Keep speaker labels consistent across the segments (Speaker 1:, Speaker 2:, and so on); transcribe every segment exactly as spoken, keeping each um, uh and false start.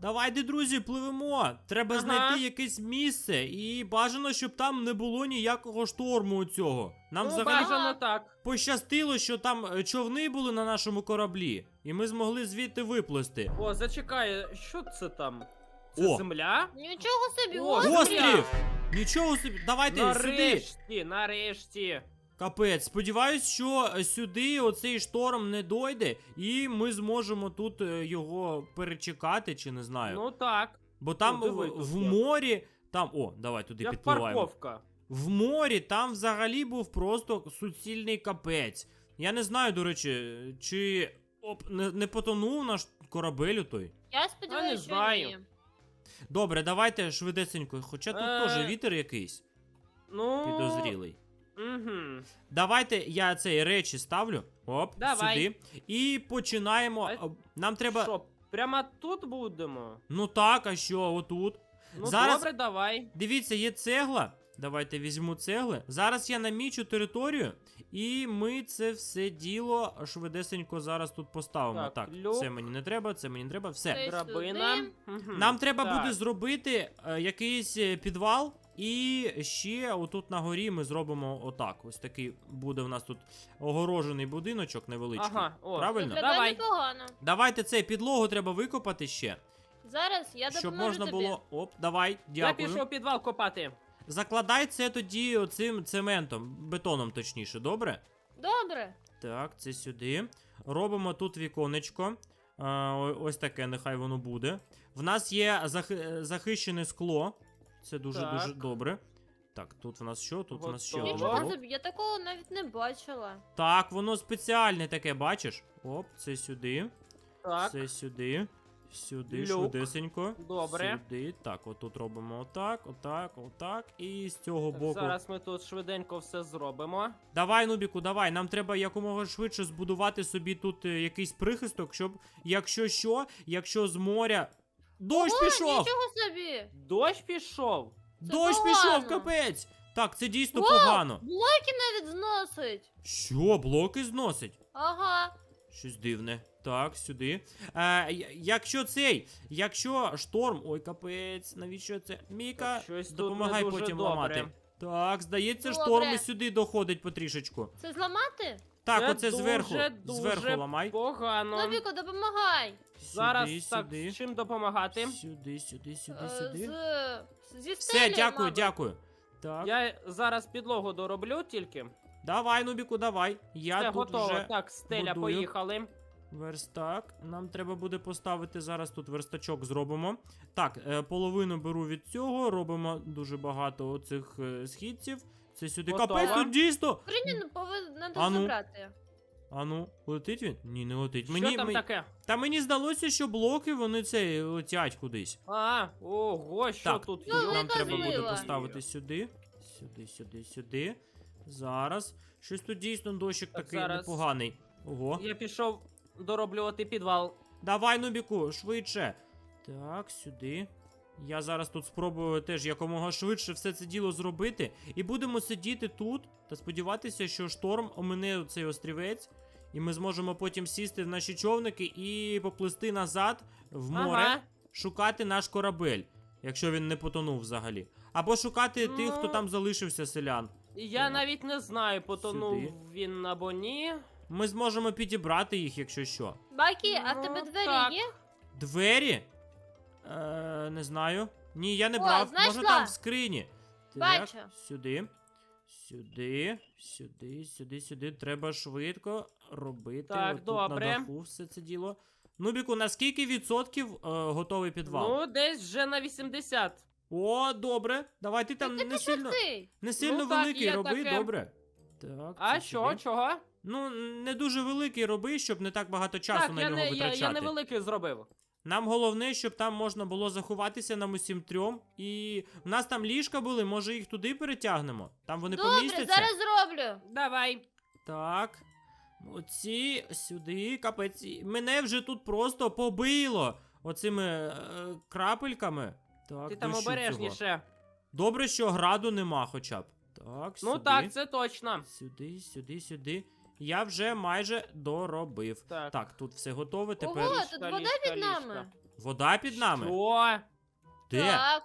Speaker 1: Давайте, друзі, пливемо. Треба
Speaker 2: Ага.
Speaker 1: знайти якесь місце. І бажано, щоб там не було ніякого шторму у цього. Нам
Speaker 2: Ну,
Speaker 1: взагалі
Speaker 2: бажано так.
Speaker 1: пощастило, що там е, човни були на нашому кораблі. І ми змогли звідти виплисти.
Speaker 2: О, зачекай, що це там? Це
Speaker 1: О.
Speaker 2: земля?
Speaker 3: Нічого собі,
Speaker 2: О,
Speaker 3: острів.
Speaker 1: Острів! Нічого собі. Давайте сюди.
Speaker 2: Нарешті, нарешті.
Speaker 1: Капець, сподіваюсь, що сюди оцей шторм не дойде, і ми зможемо тут е, його перечекати, чи не знаю.
Speaker 2: Ну так.
Speaker 1: Бо там
Speaker 2: ну, диви,
Speaker 1: в,
Speaker 2: тут
Speaker 1: в
Speaker 2: є.
Speaker 1: морі, там, о, давай туди
Speaker 2: Як
Speaker 1: підпливаємо.
Speaker 2: парковка.
Speaker 1: В морі там взагалі був просто суцільний капець. Я не знаю, до речі, чи оп, не, не потонув наш корабель той.
Speaker 3: Я сподіваюся, що
Speaker 2: знаю.
Speaker 3: ні.
Speaker 1: Добре, давайте швидесенько, хоча тут
Speaker 2: Е.
Speaker 1: теж вітер якийсь
Speaker 2: Ну.
Speaker 1: підозрілий.
Speaker 2: Угу.
Speaker 1: Давайте я цей речі ставлю. Оп,
Speaker 2: Давай.
Speaker 1: сюди. І починаємо.
Speaker 2: Давай.
Speaker 1: А, Нам треба.
Speaker 2: Що, прямо тут будемо?
Speaker 1: Ну так, а що, отут.
Speaker 2: Ну
Speaker 1: Зараз-
Speaker 2: добре, давай.
Speaker 1: Дивіться, є цегла. Давайте візьму цегли. Зараз я намічу територію, і ми це все діло швидесенько зараз тут поставимо.
Speaker 2: Так,
Speaker 1: Так,
Speaker 2: люк.
Speaker 1: це мені не треба, це мені не треба. Все.
Speaker 3: Це-
Speaker 2: Драбина.
Speaker 3: сюди.
Speaker 2: Мгм.
Speaker 1: Нам треба
Speaker 2: Так.
Speaker 1: буде зробити е, якийсь е, підвал, і ще отут на горі ми зробимо отак. Ось такий буде в нас тут огорожений будиночок невеличкий.
Speaker 2: Ага, о.
Speaker 1: Правильно?
Speaker 3: Виглядає
Speaker 2: Давай.
Speaker 3: непогано.
Speaker 1: Давайте цей підлогу треба викопати ще,
Speaker 3: Зараз я
Speaker 1: щоб
Speaker 3: допоможу
Speaker 1: можна
Speaker 3: тобі.
Speaker 1: було. Оп, давай,
Speaker 2: Я
Speaker 1: дякую.
Speaker 2: пішов підвал копати.
Speaker 1: Закладай це тоді оцим цементом, бетоном точніше, добре?
Speaker 3: Добре.
Speaker 1: Так, це сюди. Робимо тут віконечко. А, о- ось таке, нехай воно буде. В нас є захи- захищене скло. Це дуже-дуже
Speaker 2: Так.
Speaker 1: добре. Так, тут в нас що? Тут в нас ще
Speaker 2: Готово.
Speaker 1: один
Speaker 3: Нічого
Speaker 1: блок.
Speaker 3: собі, я такого навіть не бачила.
Speaker 1: Так, воно спеціальне таке, бачиш? Оп, це сюди.
Speaker 2: Так.
Speaker 1: Це сюди. Сюди,
Speaker 2: Люк.
Speaker 1: швидесенько.
Speaker 2: Добре.
Speaker 1: Сюди. Так, отут робимо отак, отак, отак. І з цього
Speaker 2: Так,
Speaker 1: боку.
Speaker 2: зараз ми тут швиденько все зробимо.
Speaker 1: Давай, Нубіку, давай. Нам треба якомога швидше збудувати собі тут е, якийсь прихисток, щоб, якщо що, якщо з моря. Дощ
Speaker 3: О,
Speaker 1: пішов!
Speaker 3: нічого собі.
Speaker 2: Дощ пішов.
Speaker 3: Це
Speaker 1: Дощ
Speaker 3: погано.
Speaker 1: пішов, капець! Так, це дійсно
Speaker 3: Вау!
Speaker 1: погано.
Speaker 3: Блоки навіть зносить.
Speaker 1: Що, блоки зносить?
Speaker 3: Ага.
Speaker 1: Щось дивне. Так, сюди. Е, я- якщо цей, якщо шторм. Ой, капець, навіщо це? Міка,
Speaker 2: Щось тут
Speaker 1: допомагай
Speaker 2: не дуже
Speaker 1: потім
Speaker 2: добре.
Speaker 1: ламати. Так, здається,
Speaker 3: Добре.
Speaker 1: шторм і сюди доходить потрішечку.
Speaker 3: Це зламати?
Speaker 1: Так,
Speaker 2: Це
Speaker 1: оце
Speaker 2: дуже,
Speaker 1: зверху.
Speaker 2: дуже
Speaker 1: Зверху ламай.
Speaker 2: Погано.
Speaker 3: Новіко, допомагай.
Speaker 2: Зараз
Speaker 1: сюди,
Speaker 2: так,
Speaker 1: сюди.
Speaker 2: з чим допомагати?
Speaker 1: Сюди, сюди, сюди,
Speaker 3: Е,
Speaker 1: сюди.
Speaker 3: З... Зі
Speaker 1: Все,
Speaker 3: стелі,
Speaker 1: дякую,
Speaker 3: мабуть.
Speaker 1: дякую. Так.
Speaker 2: Я зараз підлогу дороблю тільки.
Speaker 1: Давай, Нубіку, давай. Я
Speaker 2: Все
Speaker 1: тут
Speaker 2: готово.
Speaker 1: вже
Speaker 2: Так, стеля,
Speaker 1: будую.
Speaker 2: поїхали.
Speaker 1: верстак. Нам треба буде поставити зараз тут верстачок зробимо. Так, е, половину беру від цього, робимо дуже багато оцих е, східців. Це сюди.
Speaker 2: Готово.
Speaker 1: Капець, тут дійсно.
Speaker 3: Коріння повинна
Speaker 1: А ну.
Speaker 3: забрати.
Speaker 1: Ану, летить він? Ні, не летить.
Speaker 2: Що
Speaker 1: Мені,
Speaker 2: там
Speaker 1: ми-
Speaker 2: таке?
Speaker 1: Та мені здалося, що блоки вони це летять кудись.
Speaker 2: А, ого, що
Speaker 1: Так,
Speaker 2: тут
Speaker 3: Ну,
Speaker 2: є?
Speaker 1: Нам треба буде
Speaker 3: злива.
Speaker 1: поставити сюди. Сюди, сюди, сюди. Зараз. Щось тут дійсно дощик
Speaker 2: Так,
Speaker 1: такий
Speaker 2: зараз.
Speaker 1: непоганий. Ого.
Speaker 2: Я пішов дороблювати підвал.
Speaker 1: Давай, Нубіку, швидше. Так, сюди. Я зараз тут спробую теж якомога швидше все це діло зробити. І будемо сидіти тут та сподіватися, що шторм омине цей острівець. І ми зможемо потім сісти в наші човники і поплисти назад в море,
Speaker 2: Ага.
Speaker 1: шукати наш корабель, якщо він не потонув взагалі. Або шукати тих, хто
Speaker 2: Ну.
Speaker 1: там залишився селян.
Speaker 2: Я
Speaker 1: Так.
Speaker 2: навіть не знаю, потонув
Speaker 1: Сюди.
Speaker 2: він або ні.
Speaker 1: Ми зможемо підібрати їх, якщо що.
Speaker 3: Бакі, а в
Speaker 2: Ну,
Speaker 3: тебе двері
Speaker 2: так.
Speaker 3: є?
Speaker 1: Двері? Е, не знаю. Ні, я не
Speaker 3: О,
Speaker 1: брав. Може
Speaker 3: знайшла.
Speaker 1: там в скрині.
Speaker 3: Бачу.
Speaker 1: Так, сюди. Сюди, сюди, сюди, сюди. Треба швидко робити.
Speaker 2: Так,
Speaker 1: отут
Speaker 2: добре.
Speaker 1: на даху все це діло. Нубіку, на скільки відсотків е, готовий підвал?
Speaker 2: Ну, десь вже на вісімдесят.
Speaker 1: О, добре. Давай ти там
Speaker 3: Ти
Speaker 1: не сильно,
Speaker 3: пошути.
Speaker 1: не сильно
Speaker 2: Ну, так,
Speaker 1: великий
Speaker 2: є
Speaker 1: роби,
Speaker 2: таке.
Speaker 1: добре. Так,
Speaker 2: А
Speaker 1: це
Speaker 2: що,
Speaker 1: сюди.
Speaker 2: чого?
Speaker 1: Ну, не дуже великий роби, щоб не так багато часу
Speaker 2: Так,
Speaker 1: на
Speaker 2: я,
Speaker 1: нього
Speaker 2: не, я,
Speaker 1: витрачати.
Speaker 2: я невеликий зробив.
Speaker 1: Нам головне, щоб там можна було заховатися нам усім трьом. І в нас там ліжка були, може їх туди перетягнемо? Там вони
Speaker 3: Добре,
Speaker 1: помістяться?
Speaker 3: зараз зроблю.
Speaker 2: Давай.
Speaker 1: Так. Оці сюди, капець. І Мене вже тут просто побило оцими е, крапельками. Так,
Speaker 2: Ти там
Speaker 1: дощу цього.
Speaker 2: обережніше.
Speaker 1: Добре, що граду нема хоча б. Так, сюди.
Speaker 2: Ну так, це точно.
Speaker 1: Сюди, сюди, сюди. Я вже майже доробив.
Speaker 2: Так.
Speaker 1: Так, тут все готове. Тепер.
Speaker 3: Ого,
Speaker 2: Ліжка,
Speaker 3: тут вода
Speaker 2: ліжка,
Speaker 3: під
Speaker 2: ліжка.
Speaker 3: нами.
Speaker 1: Вода під нами?
Speaker 2: Що?
Speaker 1: Де?
Speaker 3: Так.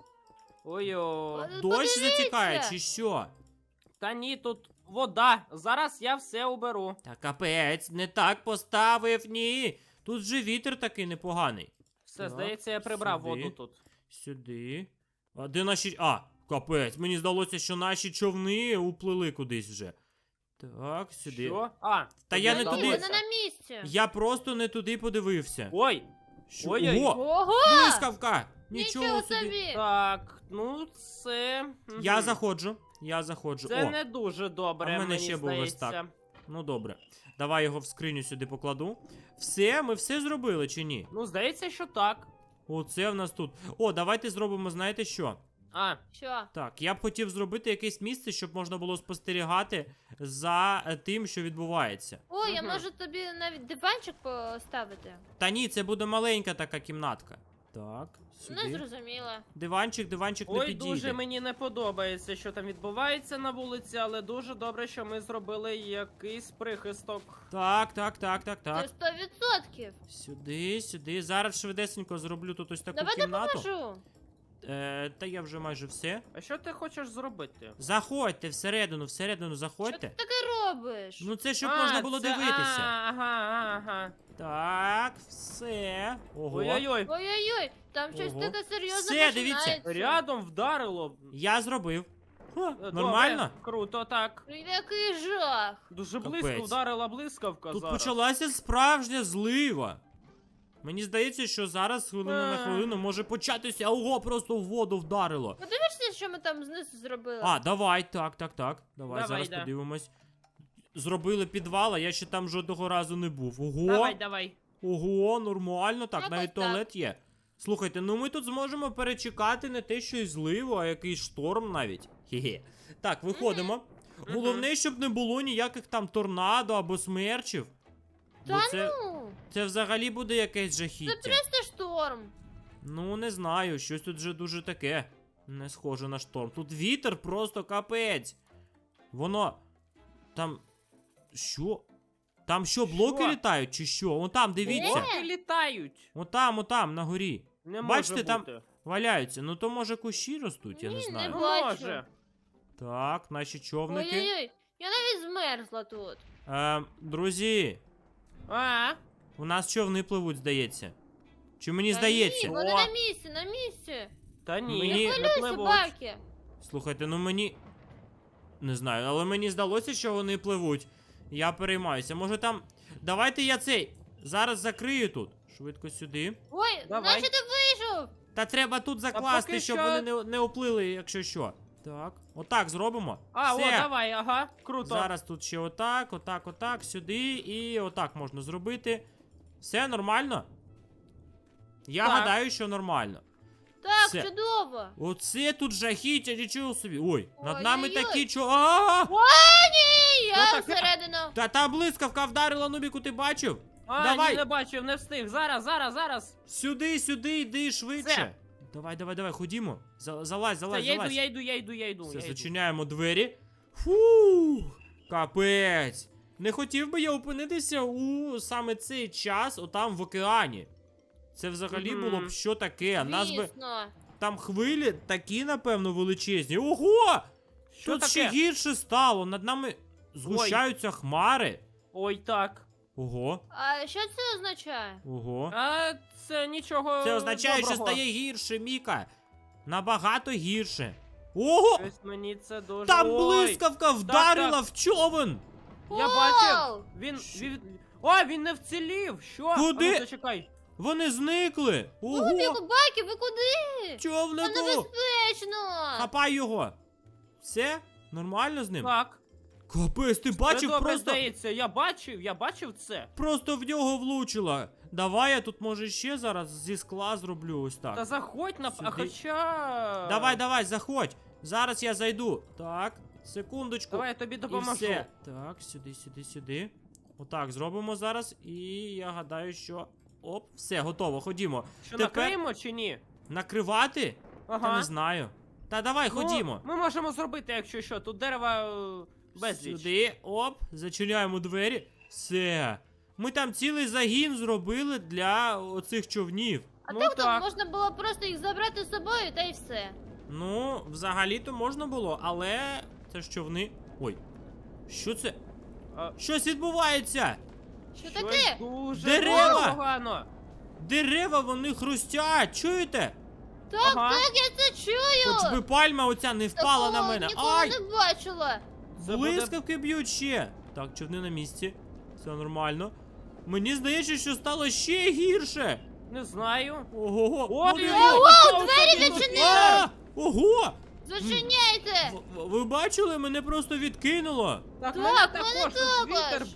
Speaker 2: Ой-ой.
Speaker 3: Е,
Speaker 1: Дощ
Speaker 3: подивіться.
Speaker 1: затікає, чи що?
Speaker 2: Та ні, тут вода. Зараз я все уберу.
Speaker 1: Та капець, не так поставив, ні. Тут же вітер такий непоганий.
Speaker 2: Все,
Speaker 1: Так,
Speaker 2: здається, я прибрав
Speaker 1: сюди.
Speaker 2: воду тут.
Speaker 1: Сюди. А де наші. А, капець, мені здалося, що наші човни уплили кудись вже. Так, сюди.
Speaker 2: Що? А,
Speaker 1: Та
Speaker 2: тут
Speaker 1: я
Speaker 2: я
Speaker 1: не
Speaker 3: Ні,
Speaker 1: туди.
Speaker 3: вона
Speaker 2: здалося.
Speaker 3: на місці.
Speaker 1: Я просто не туди подивився.
Speaker 2: Ой,
Speaker 1: Що?
Speaker 2: ой-ой.
Speaker 1: Ого!
Speaker 3: Ого!
Speaker 1: Блискавка! Нічого,
Speaker 3: Нічого
Speaker 1: собі.
Speaker 3: собі!
Speaker 2: так, ну це... мгм.
Speaker 1: Я заходжу. Я заходжу.
Speaker 2: Це
Speaker 1: О,
Speaker 2: не дуже добре,
Speaker 1: а в мене
Speaker 2: мені
Speaker 1: ще був ось
Speaker 2: здається.
Speaker 1: так. ну добре. Давай його в скриню сюди покладу. Все, ми все зробили чи ні?
Speaker 2: Ну, здається, що так.
Speaker 1: Оце в нас тут. О, давайте зробимо, знаєте що?
Speaker 2: А,
Speaker 3: Що?
Speaker 1: Так, я б хотів зробити якесь місце, щоб можна було спостерігати за е, тим, що відбувається.
Speaker 3: О, я
Speaker 2: Мгм.
Speaker 3: можу тобі навіть диванчик поставити.
Speaker 1: Та ні, це буде маленька така кімнатка. Так,
Speaker 3: Не
Speaker 1: сюди.
Speaker 3: зрозуміла.
Speaker 1: Диванчик, диванчик не
Speaker 2: ой,
Speaker 1: підійде.
Speaker 2: дуже мені не подобається, що там відбувається на вулиці, але дуже добре, що ми зробили якийсь прихисток.
Speaker 1: Так, так, так, так,
Speaker 3: Це
Speaker 1: так.
Speaker 3: сто відсотків.
Speaker 1: Сюди, сюди. Зараз швидесенько зроблю тут ось таку
Speaker 3: Давай
Speaker 1: кімнату.
Speaker 3: допоможу.
Speaker 1: Е, та я вже майже все.
Speaker 2: А що ти хочеш зробити?
Speaker 1: Заходьте всередину, всередину
Speaker 3: Що ти
Speaker 1: заходьте.
Speaker 3: таке робиш?
Speaker 1: Ну це щоб
Speaker 2: А,
Speaker 1: можна було
Speaker 2: це-
Speaker 1: дивитися.
Speaker 2: а, Ага, ага.
Speaker 1: Так, все. Ого.
Speaker 2: Ой-ой-ой.
Speaker 3: Ой-ой-ой, там щось
Speaker 1: Ого.
Speaker 3: таке серйозне
Speaker 1: Все, дивіться.
Speaker 3: починається.
Speaker 2: Рядом вдарило.
Speaker 1: Я зробив. Ха,
Speaker 2: Добре,
Speaker 1: нормально?
Speaker 2: Круто, так.
Speaker 3: Який жах.
Speaker 2: Дуже близько
Speaker 1: Капець.
Speaker 2: вдарила блискавка
Speaker 1: Тут
Speaker 2: зараз.
Speaker 1: почалася справжня злива. Мені здається, що зараз хвилину на
Speaker 2: Е.
Speaker 1: хвилину може початися. Ого, просто в воду вдарило.
Speaker 3: Подивишся, що ми там знизу зробили?
Speaker 1: А, давай, так, так, так. Давай,
Speaker 2: Давай,
Speaker 1: зараз
Speaker 2: да.
Speaker 1: подивимось. Зробили підвал, а я ще там жодного разу не був. Ого!
Speaker 2: Давай, давай.
Speaker 1: Ого, нормально, так,
Speaker 3: Якось
Speaker 1: навіть
Speaker 3: так.
Speaker 1: туалет є. Слухайте, ну ми тут зможемо перечекати не те, що й зливу, а якийсь шторм навіть. Хе-хе. Так, виходимо.
Speaker 2: Мгм.
Speaker 1: Головне, щоб не було ніяких там торнадо або смерчів. Бо
Speaker 3: Та
Speaker 1: це,
Speaker 3: ну,
Speaker 1: це взагалі буде якесь
Speaker 3: це
Speaker 1: жахіття.
Speaker 3: просто шторм.
Speaker 1: Ну, не знаю, щось тут вже дуже таке. Не схоже на шторм. Тут вітер просто капець. Воно. Там. Що? Там що, блоки
Speaker 2: Що?
Speaker 1: літають, чи що? Вон там, дивіться.
Speaker 2: Блоки літають.
Speaker 1: Отам, отам, на горі.
Speaker 2: Не
Speaker 1: Бачите,
Speaker 2: може
Speaker 1: там-
Speaker 2: бути.
Speaker 1: Валяються. Ну то може кущі ростуть, я
Speaker 3: Ні,
Speaker 1: не
Speaker 3: не
Speaker 1: знаю.
Speaker 2: Ну,
Speaker 3: бачу.
Speaker 2: може.
Speaker 1: Так, наші човники.
Speaker 3: Ой-ой-ой, я навіть змерзла тут.
Speaker 1: Е, друзі,
Speaker 2: А,
Speaker 1: у нас човни пливуть, здається. Чи мені
Speaker 3: Та
Speaker 1: здається?
Speaker 3: Ні, вони
Speaker 2: О.
Speaker 3: на місці, на місці.
Speaker 2: та ні,
Speaker 1: Мені-
Speaker 2: не
Speaker 3: Хвилюйся,
Speaker 2: пливуть.
Speaker 3: Бакі.
Speaker 1: Слухайте, ну мені. Не знаю, але мені здалося, що вони пливуть. Я переймаюся. Може там. Давайте я цей. Зараз закрию тут. Швидко сюди.
Speaker 3: Ой,
Speaker 2: Давай.
Speaker 3: наче ти вийшов.
Speaker 1: Та треба тут закласти,
Speaker 2: поки
Speaker 1: щоб
Speaker 2: що-
Speaker 1: вони не, не оплили, якщо що. Так. Отак зробимо.
Speaker 2: А,
Speaker 1: Все.
Speaker 2: о, давай, ага, круто.
Speaker 1: Зараз тут ще отак, отак, отак, сюди і отак можна зробити. Все нормально? Я
Speaker 2: Так.
Speaker 1: гадаю, що нормально.
Speaker 3: Так,
Speaker 1: Все.
Speaker 3: чудово.
Speaker 1: Оце тут жахіття, нічого собі. Ой, над
Speaker 3: Ой-ой-ой.
Speaker 1: нами такі чо. А!
Speaker 3: Ні, я
Speaker 2: Що таке?
Speaker 3: всередину.
Speaker 1: Та та блискавка вдарила, Нубіку, ти бачив?
Speaker 2: А,
Speaker 1: Давай.
Speaker 2: ні, не бачив, не встиг. Зараз, зараз, зараз.
Speaker 1: Сюди, сюди, йди швидше.
Speaker 2: Все.
Speaker 1: Давай, давай, давай, ходімо. За- Залазь,
Speaker 2: Це,
Speaker 1: залазь,
Speaker 2: я йду,
Speaker 1: залазь.
Speaker 2: я йду, я йду, я йду.
Speaker 1: Все,
Speaker 2: я йду.
Speaker 1: зачиняємо двері. Фух, капець. Не хотів би я опинитися у саме цей час, отам в океані. Це взагалі
Speaker 2: Мгм.
Speaker 1: було б що таке. Нас би
Speaker 3: Звісно.
Speaker 1: там хвилі такі, напевно, величезні. Ого!
Speaker 2: Що
Speaker 1: Тут
Speaker 2: таке?
Speaker 1: ще гірше стало. Над нами згущаються хмари.
Speaker 2: Ой, так.
Speaker 1: Ого,
Speaker 3: А що це означає?
Speaker 1: ого.
Speaker 2: А це нічого.
Speaker 1: Це означає, що
Speaker 2: доброго.
Speaker 1: стає гірше, Міка. Набагато гірше. Ого!
Speaker 2: Щось мені це дуже.
Speaker 1: Там
Speaker 2: Ой,
Speaker 1: блискавка вдарила
Speaker 2: так.
Speaker 1: в човен!
Speaker 2: Я
Speaker 3: Вау!
Speaker 2: бачив. Він, він. О, він не вцілів. Що?
Speaker 1: Куди?
Speaker 2: А ну, зачекай.
Speaker 1: Вони зникли! Ого!
Speaker 3: Нубіку, Бакі, ви куди? Це
Speaker 1: Човнику!
Speaker 3: небезпечно.
Speaker 1: Хапай його! Все? Нормально з ним?
Speaker 2: Так.
Speaker 1: Капець, ти
Speaker 2: Це
Speaker 1: бачив,
Speaker 2: добре
Speaker 1: просто,
Speaker 2: здається. Я бачив, я бачив це.
Speaker 1: просто в нього влучила. Давай я тут, може, ще зараз зі скла зроблю ось так.
Speaker 2: Та заходь на.
Speaker 1: Сюди.
Speaker 2: А хоча.
Speaker 1: Давай, давай, заходь. Зараз я зайду. Так, секундочку.
Speaker 2: Давай я тобі
Speaker 1: І
Speaker 2: допоможу.
Speaker 1: все. Так, сюди, сюди, сюди. Отак, зробимо зараз. І я гадаю, що. Оп, все, готово, ходімо.
Speaker 2: Що
Speaker 1: Тепер-
Speaker 2: накриємо чи ні?
Speaker 1: Накривати? Та
Speaker 2: Ага.
Speaker 1: не знаю. Та давай,
Speaker 2: Ну,
Speaker 1: ходімо.
Speaker 2: Ми можемо зробити, якщо що. Тут дерева е, безліч.
Speaker 1: Сюди, оп, зачиняємо двері. Все. Ми там цілий загін зробили для оцих човнів.
Speaker 3: А
Speaker 2: Ну
Speaker 3: так то
Speaker 2: так.
Speaker 3: можна було просто їх забрати з собою та й все.
Speaker 1: Ну, взагалі-то можна було, але це ж човни. Ой. Що це?
Speaker 2: А,
Speaker 1: Щось відбувається!
Speaker 3: Що
Speaker 2: щось
Speaker 3: таке?
Speaker 2: дуже
Speaker 1: Дерева!
Speaker 2: дуже погано.
Speaker 1: Дерева вони хрустять, чуєте?
Speaker 3: Так,
Speaker 2: Ага.
Speaker 3: так, я це чую.
Speaker 1: Хоч би пальма оця не впала
Speaker 3: Такого
Speaker 1: на мене.
Speaker 3: ніколи
Speaker 1: Ай!
Speaker 3: не бачила.
Speaker 2: Це буде-
Speaker 1: Блискавки б'ють ще. Так, човни на місці. Все нормально. Мені здається, що стало ще гірше.
Speaker 2: Не знаю.
Speaker 1: Ого.
Speaker 2: Ой,
Speaker 1: Ой,
Speaker 2: ой,
Speaker 1: ой,
Speaker 2: ой,
Speaker 3: О,
Speaker 2: ой,
Speaker 3: двері
Speaker 2: ой, ой,
Speaker 3: відчинили!
Speaker 1: А! Ого!
Speaker 3: Зачиняйте.
Speaker 1: В- в- Ви бачили, мене просто відкинуло.
Speaker 2: Так,
Speaker 3: Так,
Speaker 2: мене
Speaker 3: мене
Speaker 2: також. тут Вітер.
Speaker 3: також.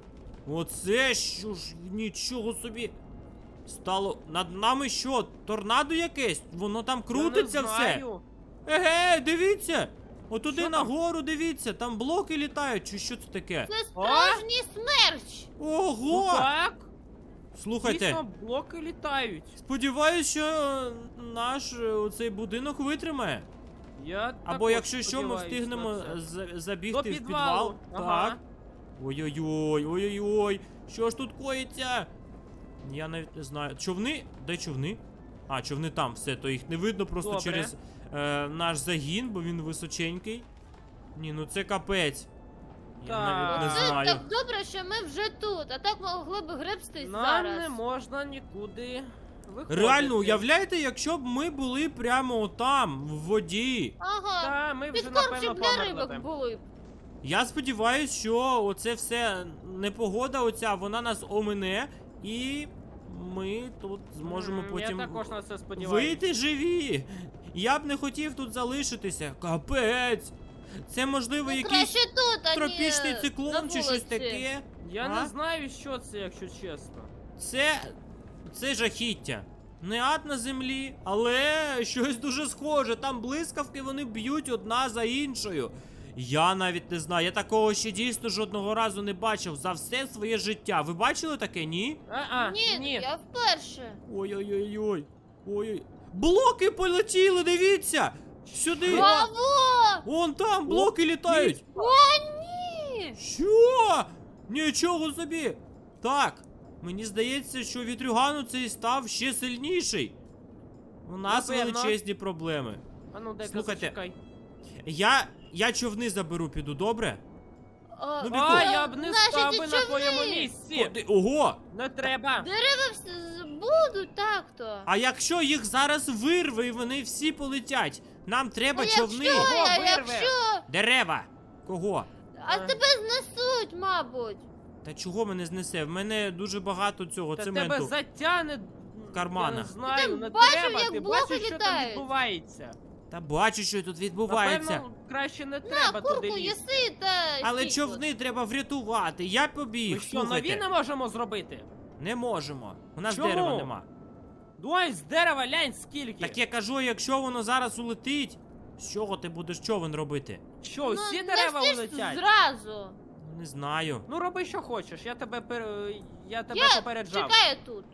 Speaker 1: Оце що ж нічого собі. Стало над нами що? Торнадо якесь? Воно там крутиться
Speaker 2: Я не
Speaker 1: все.
Speaker 2: знаю.
Speaker 1: Еге, дивіться! Отуди
Speaker 2: Що там?
Speaker 1: нагору дивіться, там блоки літають, чи що це таке?
Speaker 3: Це справжній смерч.
Speaker 2: Ну
Speaker 1: Ого!
Speaker 2: так,
Speaker 1: Слухайте,
Speaker 2: дійсно, блоки літають.
Speaker 1: сподіваюсь, що е, наш е, оцей будинок витримає.
Speaker 2: Я
Speaker 1: Або
Speaker 2: також
Speaker 1: якщо що, ми
Speaker 2: сподіваюсь
Speaker 1: встигнемо
Speaker 2: на це.
Speaker 1: за- забігти
Speaker 2: До
Speaker 1: в
Speaker 2: підвалу.
Speaker 1: підвал.
Speaker 2: Ага.
Speaker 1: Так. Ой-ой-ой, ой-ой-ой. Що ж тут коїться? Я навіть не знаю. Човни? Де човни? А, човни там, все, то їх не видно просто
Speaker 2: Добре.
Speaker 1: через е, наш загін, бо він височенький. Ні, ну це капець. Я
Speaker 2: Так.
Speaker 1: навіть не
Speaker 3: Це
Speaker 1: знаю.
Speaker 3: так добре, що ми вже тут, а так могли б гребстись
Speaker 2: Нам
Speaker 3: зараз.
Speaker 2: не можна нікуди виходити.
Speaker 1: Реально, уявляєте, якщо б ми були прямо там, в воді.
Speaker 3: Ага.
Speaker 2: Та, ми вже,
Speaker 3: Підкормчик
Speaker 2: напевно,
Speaker 3: для
Speaker 2: померли.
Speaker 3: рибок були б.
Speaker 1: Я сподіваюся, що оце все непогода оця, вона нас омине, і ми тут зможемо
Speaker 2: М,
Speaker 1: потім
Speaker 2: Я також на це сподіваюся.
Speaker 1: вийти живі. Я б не хотів тут залишитися. Капець. Це можливо
Speaker 3: Ну,
Speaker 1: якийсь
Speaker 3: краще тут, а
Speaker 1: тропічний
Speaker 3: не
Speaker 1: циклон
Speaker 3: на
Speaker 1: чи щось
Speaker 3: вулиці.
Speaker 1: таке.
Speaker 2: Я
Speaker 1: А?
Speaker 2: не знаю, що це, якщо чесно.
Speaker 1: Це. Це жахіття. Не ад на землі, але щось дуже схоже. Там блискавки вони б'ють одна за іншою. Я навіть не знаю, я такого ще дійсно жодного разу не бачив за все своє життя. Ви бачили таке, ні?
Speaker 2: А-а,
Speaker 3: Ні,
Speaker 2: ні.
Speaker 3: я вперше.
Speaker 1: Ой-ой-ой-ой. Ой. Блоки полетіли, дивіться! Сюди!
Speaker 3: Браво!
Speaker 1: Вон там блоки літають!
Speaker 3: О, ні!
Speaker 1: Що? Нічого собі! Так, мені здається, що вітрюгану цей став ще сильніший. У нас
Speaker 2: Напевно.
Speaker 1: величезні проблеми.
Speaker 2: А ну, дай-ка
Speaker 1: Слухайте,
Speaker 2: зачекай.
Speaker 1: Я. Я човни заберу, піду, добре?
Speaker 3: А,
Speaker 1: Ну,
Speaker 2: А,
Speaker 1: Біку.
Speaker 2: я б не
Speaker 3: Наші
Speaker 2: став
Speaker 3: ці
Speaker 2: би на твоєму
Speaker 3: човни.
Speaker 2: місці.
Speaker 1: Ходи- Ого!
Speaker 2: Не треба.
Speaker 3: Дерева вс- будуть так-то.
Speaker 1: А якщо їх зараз вирве і вони всі полетять? Нам треба
Speaker 3: А
Speaker 1: човни.
Speaker 3: якщо,
Speaker 2: Кого
Speaker 3: а
Speaker 2: вирве?
Speaker 3: якщо?
Speaker 1: Дерева! Кого?
Speaker 3: А
Speaker 2: Е.
Speaker 3: тебе знесуть, мабуть.
Speaker 1: Та чого мене знесе? В мене дуже багато цього
Speaker 2: Та
Speaker 1: цементу.
Speaker 2: тебе затягне
Speaker 1: в карманах.
Speaker 2: Я не знаю,
Speaker 3: там
Speaker 2: не
Speaker 3: бачив,
Speaker 2: треба.
Speaker 3: як
Speaker 2: Ти
Speaker 3: блоки
Speaker 2: бачиш, що там
Speaker 3: літають?
Speaker 2: відбувається.
Speaker 1: Та бачу, що тут відбувається.
Speaker 2: Напевно, краще не
Speaker 3: На,
Speaker 2: треба туди
Speaker 3: курку
Speaker 2: лізти.
Speaker 3: їси та
Speaker 1: Але
Speaker 3: стій тут.
Speaker 1: човни треба врятувати. Я
Speaker 2: Ми
Speaker 1: побіг.
Speaker 2: що, нові
Speaker 1: Слухайте.
Speaker 2: не можемо зробити?
Speaker 1: Не можемо. У нас
Speaker 2: Чому?
Speaker 1: дерева нема.
Speaker 2: Ой, з дерева лянь скільки.
Speaker 1: Так я кажу, якщо воно зараз улетить, з чого ти будеш човен робити?
Speaker 2: Що,
Speaker 3: Ну,
Speaker 2: всі
Speaker 3: не
Speaker 2: дерева
Speaker 3: всі ж
Speaker 2: улетять?
Speaker 3: зразу.
Speaker 1: Не знаю.
Speaker 2: Ну роби, що хочеш, я тебе пер... я тебе
Speaker 3: Я
Speaker 2: попереджав.
Speaker 3: чекаю тут.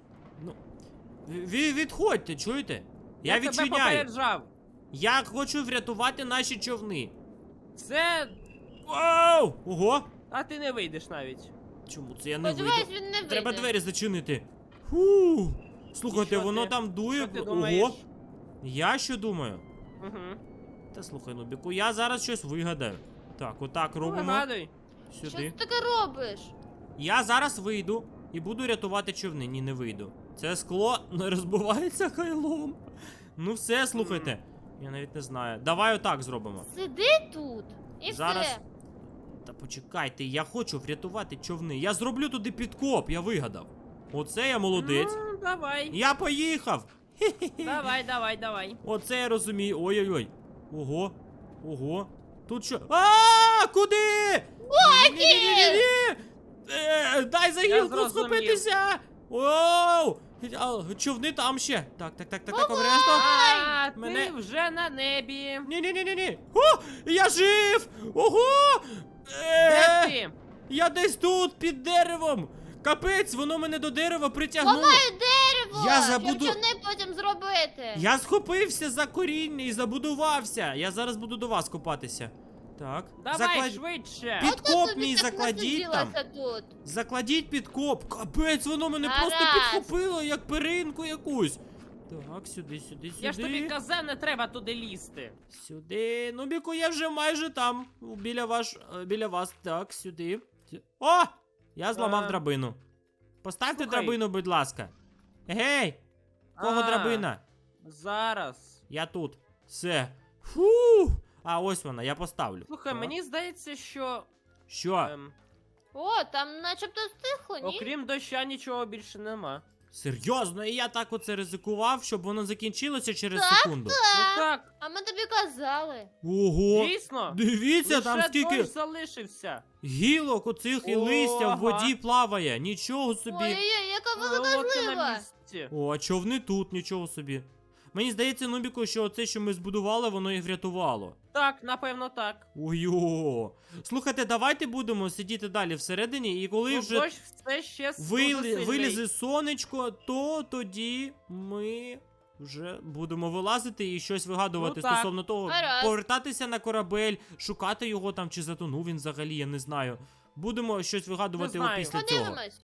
Speaker 1: Ви відходьте, чуєте? Я,
Speaker 2: тебе
Speaker 1: відчиняю.
Speaker 2: попереджав.
Speaker 1: Я хочу врятувати наші човни.
Speaker 2: Це.
Speaker 1: Вау! Ого!
Speaker 2: А ти не вийдеш навіть.
Speaker 1: Чому це я не
Speaker 3: Сподіваюсь,
Speaker 1: вийду?
Speaker 3: він не вийде.
Speaker 1: Треба двері зачинити. Фу. Слухайте,
Speaker 2: І що
Speaker 1: воно
Speaker 2: ти?
Speaker 1: там дує.
Speaker 2: Що ти
Speaker 1: Ого.
Speaker 2: думаєш?
Speaker 1: Я що думаю?
Speaker 2: Угу.
Speaker 1: Та слухай, Нубіку, я зараз щось вигадаю. Так, отак
Speaker 2: Ну,
Speaker 1: робимо.
Speaker 2: вигадуй.
Speaker 3: Що
Speaker 1: Сюди.
Speaker 3: ти таке робиш?
Speaker 1: Я зараз вийду і буду рятувати човни. Ні, не вийду. Це скло не розбивається хайлом. Ну все, слухайте. Я навіть не знаю. Давай отак зробимо.
Speaker 3: Сиди тут. І
Speaker 1: Зараз.
Speaker 3: все.
Speaker 1: Та почекайте, я хочу врятувати човни. Я зроблю туди підкоп, я вигадав. Оце я молодець.
Speaker 2: Ну, давай.
Speaker 1: Я поїхав! Хе-хе-хе.
Speaker 2: Давай, давай, давай.
Speaker 1: Оце я розумію. Ой-ой-ой. Ого. Ого. Тут що? А, куди? Ні-ні-ні-ні-ні! Е, Дай за
Speaker 2: Я
Speaker 1: гілку
Speaker 2: зрозумів.
Speaker 1: схопитися! Оу! А, човни там ще. Так, так, так, так, так, обережно.
Speaker 2: А, ти
Speaker 1: Мене-
Speaker 2: вже на небі.
Speaker 1: Ні-ні-ні-ні-ні. О, я жив! Ого!
Speaker 2: Де
Speaker 1: Е,
Speaker 2: ти?
Speaker 1: Я десь тут, під деревом. Капець, воно мене до дерева притягнуло.
Speaker 3: Ламаю дерево!
Speaker 1: Я забуду-
Speaker 3: Щоб не потім зробити.
Speaker 1: Я схопився за коріння і забудувався. Я зараз буду до вас копатися. Так.
Speaker 2: Давай
Speaker 1: заклад-
Speaker 2: швидше.
Speaker 1: Під-
Speaker 3: Ото
Speaker 1: підкоп
Speaker 3: тобі
Speaker 1: мій
Speaker 3: так
Speaker 1: закладіть там.
Speaker 3: насиділася тут.
Speaker 1: Закладіть підкоп. Капець, воно мене
Speaker 3: Гаразд.
Speaker 1: просто підхопило, як перинку якусь. Так, сюди, сюди, сюди.
Speaker 2: Я ж тобі казав, не треба туди лізти.
Speaker 1: Сюди. Нубіку, я вже майже там. Біля ваш. е, Біля вас. Так, сюди. Сю- О! Я зламав
Speaker 2: А.
Speaker 1: драбину. Поставте
Speaker 2: Слухай.
Speaker 1: драбину, будь ласка. Гей! Кого
Speaker 2: А.
Speaker 1: драбина?
Speaker 2: Зараз.
Speaker 1: Я тут. Все. Фу. А ось вона, я поставлю.
Speaker 2: Слухай,
Speaker 1: Так.
Speaker 2: мені здається, що.
Speaker 1: Що?
Speaker 2: Ем,
Speaker 3: О, там начебто стихло, ні?
Speaker 2: окрім доща нічого більше нема.
Speaker 1: Серйозно, і я так оце ризикував, щоб воно закінчилося через
Speaker 3: Так,
Speaker 1: секунду.
Speaker 2: Ну так,
Speaker 3: А ми тобі казали.
Speaker 1: Ого!
Speaker 2: дійсно.
Speaker 1: Дивіться,
Speaker 2: Лише
Speaker 1: там скільки
Speaker 2: дощ залишився.
Speaker 1: гілок оцих і листя в
Speaker 2: Ага.
Speaker 1: воді плаває. Нічого собі.
Speaker 3: Ой-ой-ой, яка велика
Speaker 2: Лодка на
Speaker 3: злива.
Speaker 2: місці.
Speaker 1: О, а човни тут, нічого собі. Мені здається, Нубіку, що оце, що ми збудували, воно їх врятувало.
Speaker 2: Так, напевно, так.
Speaker 1: Ой-о. Слухайте, давайте будемо сидіти далі всередині, і коли
Speaker 2: Ну,
Speaker 1: вже
Speaker 2: дощ все ще
Speaker 1: вили-
Speaker 2: дуже сильний.
Speaker 1: вилізе сонечко, то тоді ми вже будемо вилазити і щось вигадувати
Speaker 2: Ну, так.
Speaker 1: стосовно того,
Speaker 3: Гаразд.
Speaker 1: повертатися на корабель, шукати його там, чи затонув він взагалі, я не знаю. Будемо щось вигадувати
Speaker 2: Не знаю.
Speaker 1: після цього.
Speaker 3: Подивимось.